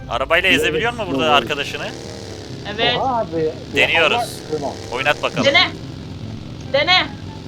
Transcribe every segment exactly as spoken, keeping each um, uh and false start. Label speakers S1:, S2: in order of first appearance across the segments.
S1: Arabayla ezebiliyor mu burada arkadaşını?
S2: Evet.
S3: Oha abi.
S1: Deniyoruz.
S3: Tamam.
S1: Oynat bakalım.
S2: Dene. Dene.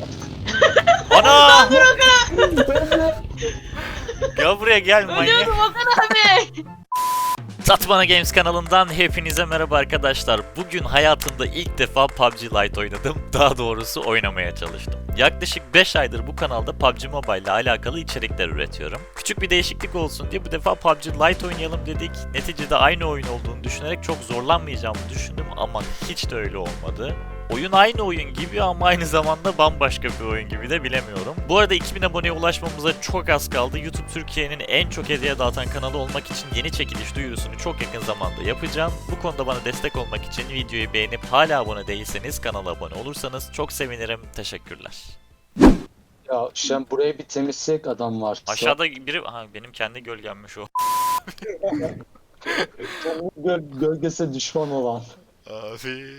S1: Ana!
S2: Dur Okan.
S1: Gel buraya gel manyak.
S2: Ölüyorum Okan abi.
S1: Satmana Games kanalından hepinize merhaba arkadaşlar. Bugün hayatımda ilk defa P U B G Lite oynadım. Daha doğrusu oynamaya çalıştım. Yaklaşık beş aydır bu kanalda P U B G Mobile ile alakalı içerikler üretiyorum. Küçük bir değişiklik olsun diye bu defa P U B G Lite oynayalım dedik. Neticede aynı oyun olduğunu düşünerek çok zorlanmayacağımı düşündüm ama hiç de öyle olmadı. Oyun aynı oyun gibi ama aynı zamanda bambaşka bir oyun gibi de bilemiyorum. Bu arada iki bin aboneye ulaşmamıza çok az kaldı. YouTube Türkiye'nin en çok hediye dağıtan kanalı olmak için yeni çekiliş duyurusunu çok yakın zamanda yapacağım. Bu konuda bana destek olmak için videoyu beğenip hala abone değilseniz kanala abone olursanız çok sevinirim. Teşekkürler.
S3: Ya sen buraya bir temizleyecek adam var.
S1: Aşağıda biri... Aha, benim kendi gölgemmiş o.
S3: Gö- gölgesi düşman olan.
S1: Abi.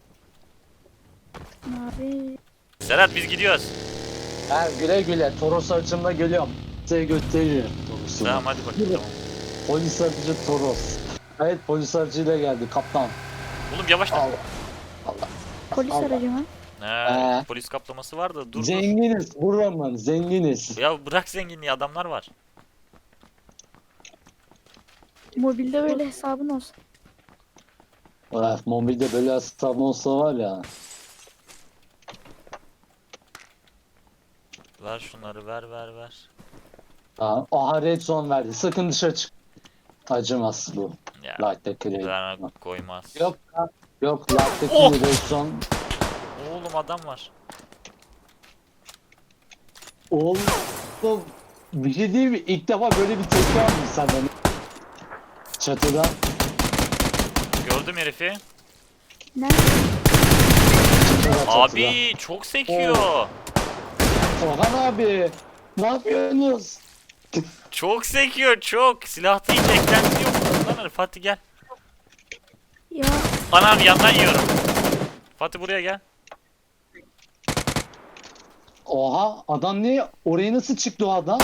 S4: Abi.
S1: Serhat biz gidiyoruz.
S3: Ha, güle güle. Toros aracımla geliyorum. Size gösteririm Toros'u.
S1: Tamam hadi bakalım.
S3: Polis aracı Toros. Evet, polis aracıyla geldi kaptan.
S1: Oğlum yavaş lan.
S3: Allah. Allah.
S4: Polis
S3: Allah.
S4: aracı mı?
S1: He,
S3: Ee.
S1: polis kaplaması var da dur dur.
S3: Zenginiz. Buramın zenginiz.
S1: Ya bırak zenginliği, adamlar var.
S4: Mobilde böyle hesabın olsun.
S3: Ah, mobilde böyle hesabı olsa var ya.
S1: Ver şunları, ver ver ver.
S3: Ha, aha red zone verdi. Sakın dışarı çık. Acımaz bu.
S1: Ya
S3: Light'taki red.
S1: bana koymaz.
S3: Yok ha, yok Light'taki
S1: Oh!
S3: red zone.
S1: Oğlum adam var.
S3: Oğlum bir şey değil mi? İlk defa böyle bir tepki aldım senden. Çatıdan.
S1: Gördüm herifi.
S4: Nerede?
S3: Çatıda, çatıda.
S1: Abi çok sekiyor.
S3: Orhan abi. Ne yapıyorsunuz?
S1: Çok sekiyor çok. Silahta hiç eklenti yok. Lan Fatih gel.
S4: Ya
S1: Anam yandan yiyorum. Fatih buraya gel.
S3: Oha adam ne? Oraya nasıl çıktı o adam?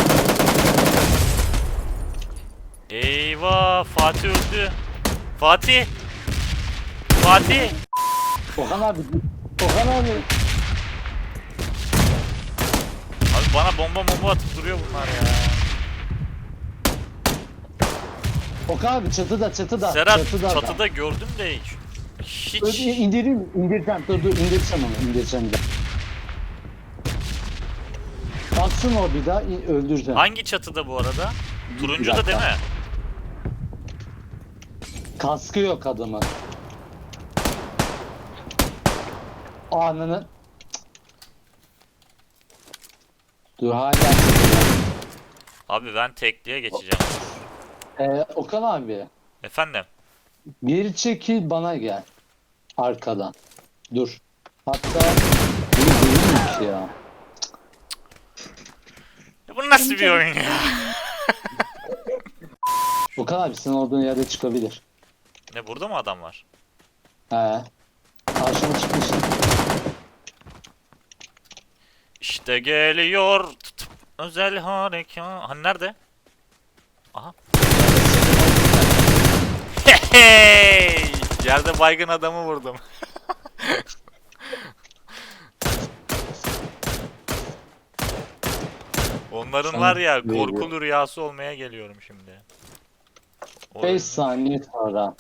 S1: Eyvah Fatih öldü. Fatih. Fatih.
S3: Orhan abi. Orhan abi.
S1: Abi bana bomba bomba atıp duruyor bunlar ya.
S3: Orhan abi çatıda çatıda.
S1: Serhat
S3: çatıda.
S1: çatıda gördüm de hiç.
S3: Öyle
S1: Hiç.
S3: indireyim, indireceğim. Dur dur indireceğim onu, indireceğim bir daha. Baksın o bir daha, in- öldüreceğim.
S1: Hangi çatıda bu arada? Turuncu da değil mi?
S3: Kaskı yok adamın. Ananı. Dur hala.
S1: Abi ben tekliğe geçeceğim.
S3: Ee, Okan abi.
S1: Efendim.
S3: Geri çekil bana gel. Arkadan. Dur. Hatta bu değilmiş ya.
S1: Ya bu nasıl bir oyun ya?
S3: Okan abi senin olduğun yerde çıkabilir.
S1: Ne burada mı adam var?
S3: He. Karşıma çıkmış.
S1: İşte geliyor tutup özel harekat. Hani nerede? Aha. Hey! Yerde baygın adamı vurdum. Onların var ya korkulu rüyası olmaya geliyorum şimdi. O-
S3: beş saniye sonra.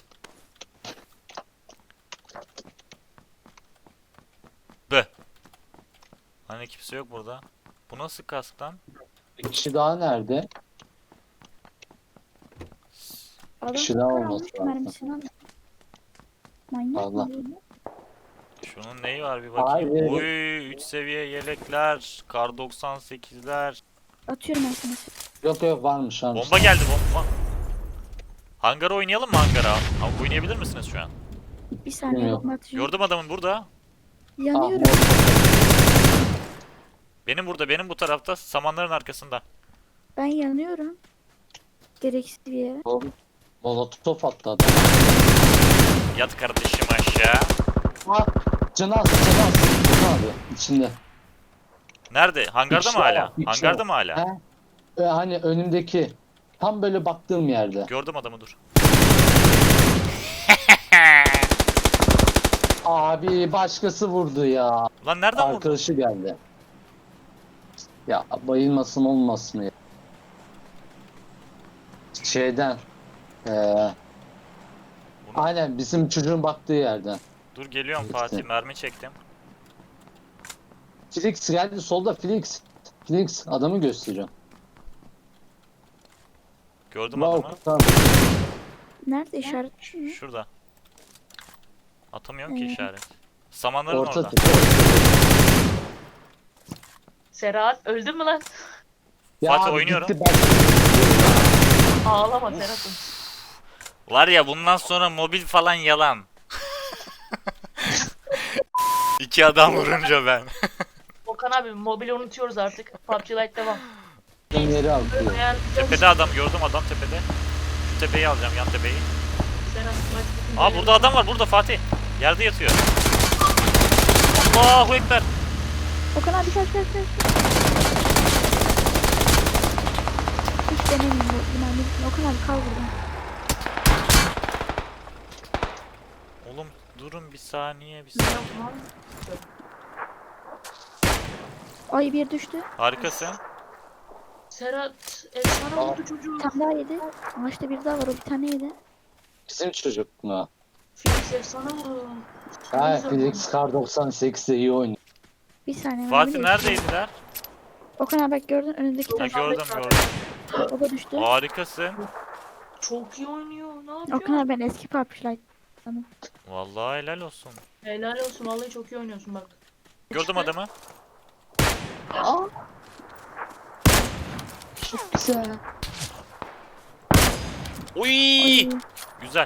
S1: Be. Hani kimse yok burada. Bu nasıl kask lan?
S3: Bir kişi daha nerede?
S4: adam
S3: kişi daha
S4: kar
S3: olması
S4: almış,
S3: lazım.
S4: mermisini almış. Manyak
S3: Allah.
S4: mı bu?
S1: Şunun neyi var bir bakayım.
S3: Abi.
S1: Oy üç seviye yelekler, kar doksan sekizler.
S4: Atıyorum ben sana.
S3: Yok yok varmış varmış.
S1: Bomba geldi bomba. Hangara oynayalım mı hangara? Ama oynayabilir misiniz şu an?
S4: Bir saniye
S3: Bilmiyorum.
S4: bomba atacağım.
S1: Gördüm adamın burada.
S3: Ah,
S4: Yanıyorum.
S1: Benim burada, benim bu tarafta samanların arkasında.
S4: Ben yanıyorum. Gereksiz bir yere.
S3: mol- Molotof attı adam.
S1: Yat kardeşim aşağı.
S3: Ah, canı az, canı az. Okan abi içinde.
S1: Nerede? Hangarda
S3: İkisi
S1: mı
S3: var,
S1: hala?
S3: ikisi
S1: Hangarda
S3: var.
S1: mı hala?
S3: He? Ee, hani önümdeki Tam böyle baktığım yerde.
S1: Gördüm adamı, dur.
S3: Abi başkası vurdu ya.
S1: Lan nereden vurdun?
S3: Arkadaşı geldi. Ya bayılmasın olmasın ya. Şeyden. Ee, aynen bizim çocuğun baktığı yerden.
S1: Dur geliyorum
S3: İşte.
S1: Fatih, mermi çektim.
S3: Felix geldi solda Felix. Felix adamı gösteriyor.
S1: Gördüm adamı.
S3: Tamam.
S4: Nerede işaret?
S1: Şurada. Atamıyorum ki
S4: Ee.
S1: işaret. Samanların
S3: Orta
S1: orada.
S3: tık.
S2: Serhat öldün mü lan?
S3: Ya
S1: Fatih
S3: abi
S1: oynuyorum.
S3: gitti, ben-
S2: Ağlama Serhat'ım.
S1: Var ya, bundan sonra mobil falan yalan. İki adam vurunca ben.
S2: Okan abi mobili unutuyoruz artık. P U B G Lite devam.
S3: Yeri aldı.
S2: Eğer
S1: Tepede adam gördüm, adam tepede. Şu tepeyi alacağım, yan tepeyi.
S2: Serhat maç bitince-
S1: Aa burada adam var, burada Fatih. Yerde yatıyor. Allahu Ekber.
S4: Okan abi kaç kaç kaç. Hiç denemeyeyim bu binanın üstüne. Okan abi kal burada.
S1: Oğlum durun bir saniye, bir
S2: Ne
S1: saniye.
S2: yapayım abi?
S4: Ay bir düştü.
S1: Harikasın.
S2: Serhat efsane vurdu çocuğu.
S4: Bir tane daha yedi. Ağaçta bir daha var, o bir tane yedi.
S3: Bizim çocuk mu?
S2: Felix efsane vurdu.
S3: Ha
S2: Güzel
S3: Felix Kar doksan sekizde iyi oynuyor.
S4: Bir saniye.
S1: Fatih
S4: mermi
S1: neredeydiler?
S4: Okan abi bak gördün önündeki
S1: Ha,
S4: taş.
S1: gördüm gördüm.
S4: O da düştü.
S1: Harikasın.
S2: Çok iyi oynuyor. Ne yapıyor?
S4: Okan abi ben eski P U B G Lite.
S1: Vallahi helal olsun.
S2: Helal olsun vallahi çok iyi oynuyorsun bak.
S1: Gördüm adamı.
S4: Aa. Çok güzel.
S1: Uy!
S4: Ay.
S1: Güzel.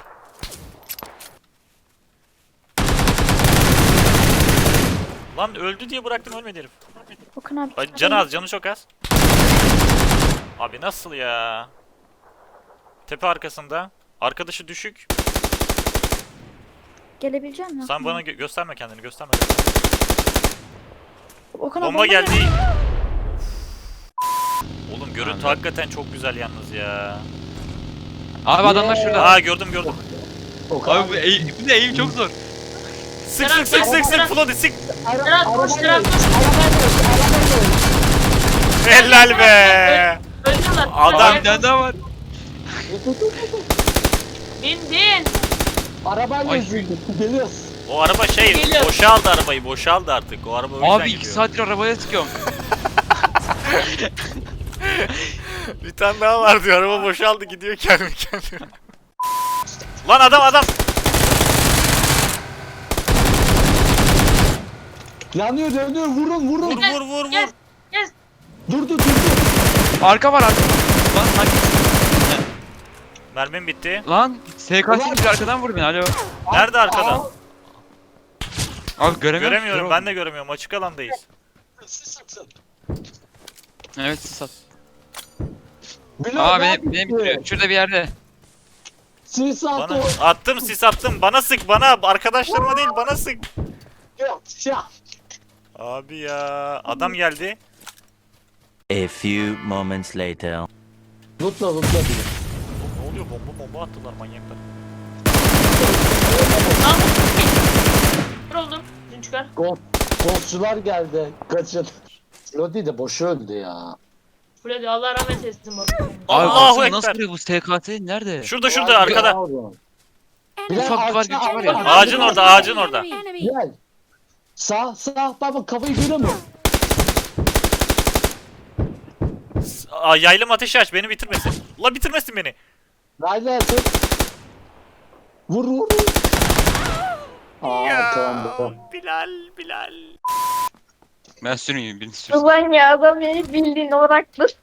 S1: Lan öldü diye bıraktım, ölmedi herif.
S4: Okan abi.
S1: Ay, canı az, canı çok az. Abi nasıl ya? Tepe arkasında. Arkadaşı düşük.
S4: Gelebilecek misin?
S1: Sen bana gö- gösterme kendini, gösterme. gösterme.
S4: Okan abi
S1: Bomba geldi. Oğlum görüntü
S5: Anladım.
S1: hakikaten çok güzel yalnız ya.
S5: Abi adamlar şurada.
S1: Aa gördüm gördüm.
S3: Okan
S5: Abi bu eğim, bu ne eğim çok zor.
S1: Sık sık sık sık sık Flody sık.
S2: Serhat koş Serhat koş.
S1: Helal be.
S2: Öldüler.
S1: Adam-
S5: Abi bir tane daha var.
S2: Bin bin.
S3: Arabayla
S5: Ay.
S3: ezildi. Geliyoruz.
S1: O araba şey
S2: Geliyor.
S1: boşaldı, arabayı boşaldı artık. O araba o yüzden
S5: Abi iki
S1: gidiyor.
S5: saattir arabaya sıkıyorum.
S1: Bir tane daha var diyor, araba boşaldı gidiyor kendi kendine. Lan adam adam.
S3: Yanıyor dönüyor vurun vurun.
S1: Vur vur vur vur.
S2: Gel. Gel.
S3: Durdu durdu.
S5: Arka var arka. Lan sanki.
S1: Mermim bitti.
S5: Lan S K S'nin bir arkadan vur beni alo.
S1: Nerede arkada?
S5: Abi göremiyorum.
S1: Göremiyorum, ben de göremiyorum. Açık alandayız.
S5: Evet sat.
S3: Bilal
S5: Aa
S3: ne
S5: benim,
S3: yaptı?
S5: benim bitiriyor. Şurada bir yerde.
S3: Sis attı.
S1: Bana attım, sis attım. Bana sık, bana. Arkadaşlarıma değil, bana sık.
S3: Ya.
S1: Abi ya, adam geldi.
S6: A few moments later.
S3: Lootla lootla bile.
S1: Oğlum ne oluyor? Bomba bomba attılar manyaklar.
S2: Tamam. Dur oldum. Dün çıkar.
S3: Gol. Golçular geldi. Kaçın. Lodi de boş öldü ya.
S2: Freddy Allah rahmet eylesin bak.
S5: Abi
S1: Allahu
S5: baksana
S1: Ekber.
S5: nasıl vuruyor bu S K S nerede?
S1: Şurada şurada arkada.
S3: Bilal,
S5: Ufak var,
S3: ağaçta-
S5: gücü var ya.
S1: Ağacın orada, ağacın orada.
S3: Gel. Sağ sağ baba kafayı göremiyor.
S1: Aa, yaylım ateşi aç, beni bitirmesin. La bitirmesin beni.
S3: Rayla tut. Vur vur vur. Aa tamam.
S1: Bilal, Bilal.
S5: Ben sürüyorum birini sürsün.
S4: Ulan ya adam beni bildiğin olarak dur.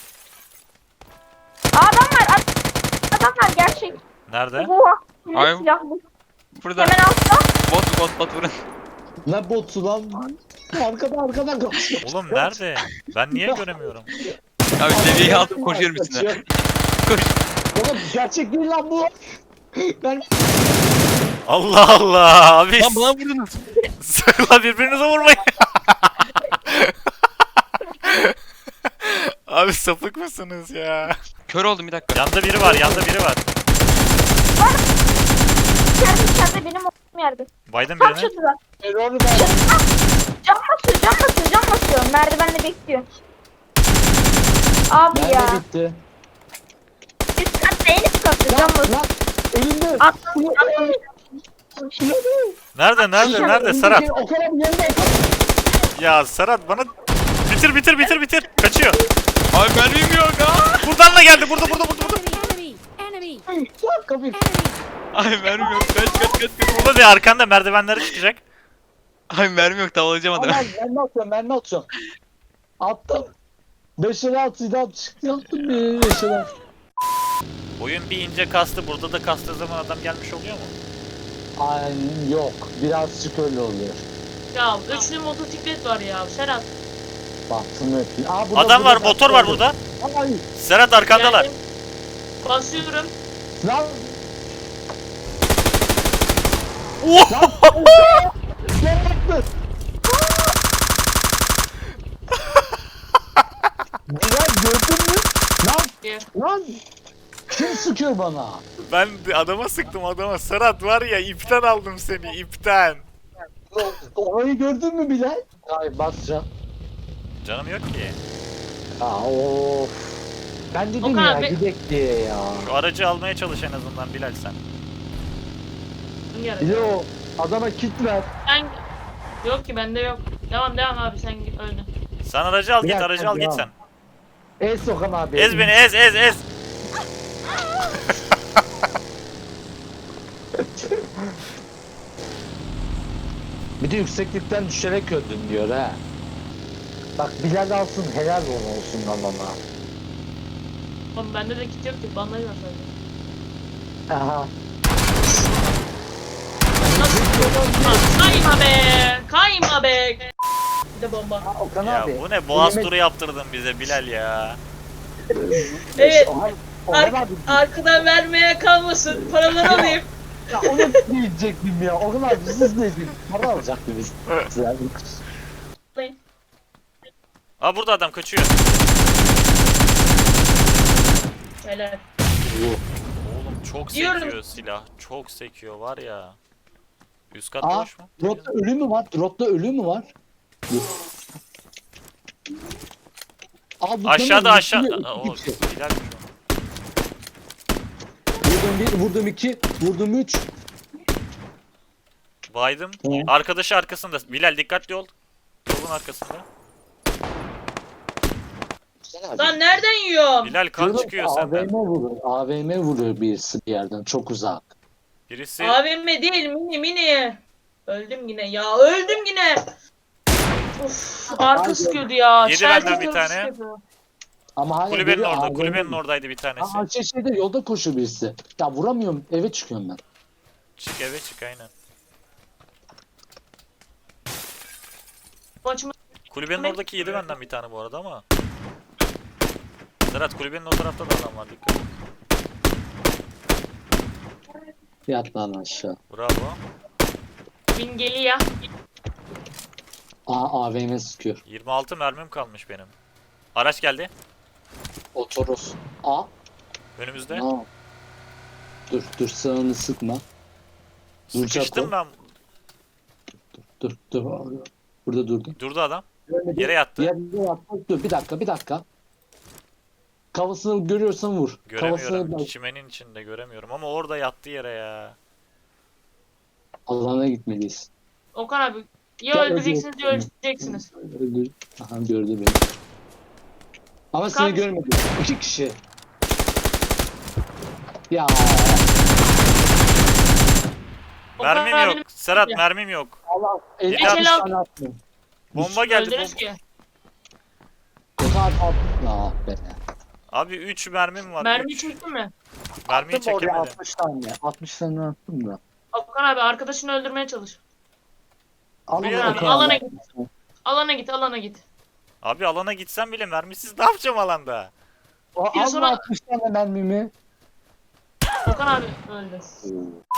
S4: Adam var. ad- Adam var gerçek.
S1: Nerede?
S4: Oha.
S5: Ay.
S4: Silahlı.
S5: Burada
S4: Hemen altta.
S5: bot bot bot vurun.
S3: Ne botu lan? Arkada arkadan koşuyor.
S1: Oğlum nerede? Ben niye göremiyorum?
S5: Abi seviyeyi aldım koşuyorum üstüne.
S3: Kaçıyor.
S5: Koş.
S3: Oğlum gerçek değil lan bu. Ben
S1: Allah Allah abi.
S5: Lan bana vurdunuz.
S1: La birbirinize vurmayın. Abi sapık mısınız ya?
S5: Kör oldum bir dakika.
S1: Yanda biri var, yanda biri var.
S4: İçeride içeride benim olduğum yerde.
S1: Biden
S4: Tam
S1: birini.
S4: şurada.
S3: Error ver.
S4: Cam basıyor cam basıyor cam basıyor. Merdivenle bekliyor. Abi ya.
S3: Nerede bitti?
S4: Üst katta en üst katta cam
S3: Lan
S4: basıyor.
S3: lan. Önünde.
S4: Atlamış atlamış.
S1: Nerede, nerede, nerede Serhat?
S3: O kadar yerinde.
S1: Ya Serhat bana... Bitir, bitir, bitir, bitir. Kaçıyor.
S5: Abi mermim yok ha.
S1: Buradan da geldi, burada, burada, burada, burada.
S7: Enemy! Enemy!
S3: Lan kapıyı.
S5: Ay mermim yok. Kaç kaç kaç kaç.
S1: Burada bir arkanda merdivenlere çıkacak.
S5: Ay mermim yok, tavalayacağım adamı.
S3: Aman mermi atıyorum mermi atıyorum. Attım. beş el altıydı çıktı attım bir beş el altı.
S1: Oyun bir ince kastı, burada da kastığı zaman adam gelmiş oluyor mu?
S3: Ay yok birazcık öyle oluyor.
S2: Ya üçlü motosiklet var ya Serhat.
S3: Baktım hep. Aa, burada,
S1: Adam var,
S3: burada,
S1: motor var burada.
S3: Ay
S1: Serhat arkandalar.
S2: Geldim. Basıyorum.
S3: lan.
S1: Oh!
S3: Ne yaptın? Bilal gördün mü? Lan
S2: Gel.
S3: lan. Kim sıkıyor bana?
S1: Ben de adama sıktım adama. Serhat var ya, ipten aldım seni, ipten.
S3: Orayı gördün mü Bilal? Ay basacağım.
S1: Canım yok ki.
S3: Aa of. Ben dedim
S2: Okan
S3: ya
S2: abi-
S3: gidek diye ya.
S1: Şu aracı almaya çalış en azından Bilal sen.
S3: Bir de o adama kit ver.
S2: Sen... Yok ki bende yok. Devam devam abi sen git öldün.
S1: Sen aracı al
S3: Bir
S1: git,
S3: dakika,
S1: aracı al git
S3: devam.
S1: sen.
S3: Ez Okan abi.
S1: Ez beni, ez, ez, ez.
S3: Bir de yükseklikten düşerek öldün diyor ha. Bak Bilal alsın helal ona olsun lan ona.
S2: Oğlum bende de kit yok ki bandaj var sadece.
S3: Aha.
S2: Nasıl? Lan kayma be! Kayma be! Bir de bomba.
S3: Aa, Okan
S1: Ya
S3: abi.
S1: bu ne, boğaz
S3: elime-
S1: turu yaptırdın bize Bilal ya.
S2: Evet.
S3: Okan, Okan
S2: Ar-
S3: abi.
S2: arkadan vermeye kalmasın. Paraları alayım.
S3: Ya onu diyecektim ya. Okan abi siz ne diyeyim? Para alacaktı biz. Sizler.
S1: Aa burada adam kaçıyor.
S2: Helal.
S1: Oğlum çok
S2: Diyorum.
S1: sekiyor silah. Çok sekiyor var ya. Üst kat
S3: Aa,
S1: boş mu?
S3: dropta ölü mü var? Dropta ölü mü var? Yok. Aa, bu
S1: Aşağıda
S3: tamam,
S1: aşağı.
S3: iki-
S1: Aa,
S3: iki
S1: o
S3: kişi.
S1: Bilal'miş o.
S3: Vurdum bir, vurdum iki, vurdum üç.
S1: Baydım.
S3: Hı.
S1: Arkadaşı arkasında. Bilal dikkatli ol. Yolun arkasında.
S2: Lan nereden yiyorum?
S1: Bilal kan
S3: Diyorum,
S1: çıkıyor
S3: A V
S1: senden.
S3: M vuruyor. A V M vuruyor birisi bir yerden çok uzak.
S1: Birisi
S2: A V M değil mini mini. Öldüm yine ya öldüm yine. Uf arka sıkıyordu ya.
S1: Yedi
S2: Çeltik
S1: benden bir
S2: tarafı
S1: tane.
S2: sıkıyordu.
S3: Ama hala
S1: kulübenin
S3: biri
S1: orada.
S3: A V M
S1: Kulübenin oradaydı bir tanesi.
S3: Aa şey şeyde yolda koşuyor birisi. Ya vuramıyorum eve çıkıyorum ben.
S1: Çık eve çık aynen.
S2: Maçımı
S1: Kulübenin oradaki yedi benden bir tane bu arada ama. Serhat kulübenin o tarafta da adam var, dikkat et.
S3: Yat lan aşağı.
S1: Bravo.
S2: bin geliyor.
S3: Aa A V M sıkıyor.
S1: yirmi altı mermim kalmış benim. Araç geldi.
S3: Otoros. Aa.
S1: Önümüzde.
S3: Aa. Dur dur sağını sıkma. Dur
S1: Sıkıştım
S3: Çako.
S1: ben.
S3: Dur dur. Burada durdum.
S1: Durdu adam.
S3: Görmedi.
S1: Yere yattı.
S3: Yere yattı. Dur bir dakika bir dakika. Kafasını görüyorsan vur.
S1: Göremiyorum.
S3: Kafasını
S1: Çimenin içinde göremiyorum ama orada yattı yere ya.
S3: alana gitmeliyiz.
S2: Okan abi ya
S3: Ya
S2: öldüreceksiniz ya
S3: öldür-
S2: öleceksiniz.
S3: Öldür. Aha gördü beni. Ama seni
S2: Kanka-
S3: görmedi. İki kişi. Ya
S2: Okan
S1: Mermim
S2: abinin-
S1: yok. Serhat
S2: Ya.
S1: mermim yok.
S3: Allah elli
S1: Beş
S3: altmış
S2: el
S3: tane attım.
S1: Bomba geldi.
S2: Öldünüz
S1: Bomba.
S2: ki.
S3: O kadar attım. Ah be.
S1: Abi üç mermim var.
S2: Mermi
S1: üç.
S2: çekti mi?
S1: Mermiyi
S3: Attım oraya
S1: çekemedim.
S3: altmış tane. altmış tane attım da.
S2: Okan abi arkadaşını öldürmeye çalış.
S3: Alın
S1: Bir
S2: Okan abi
S1: Okan
S2: alana
S3: abi.
S2: git. Alana git alana git.
S1: Abi alana gitsem bile mermisiz ne yapacağım alanda?
S3: O,
S2: Bir
S3: alma
S2: sonra-
S3: altmış tane mermimi.
S2: Okan abi öldü.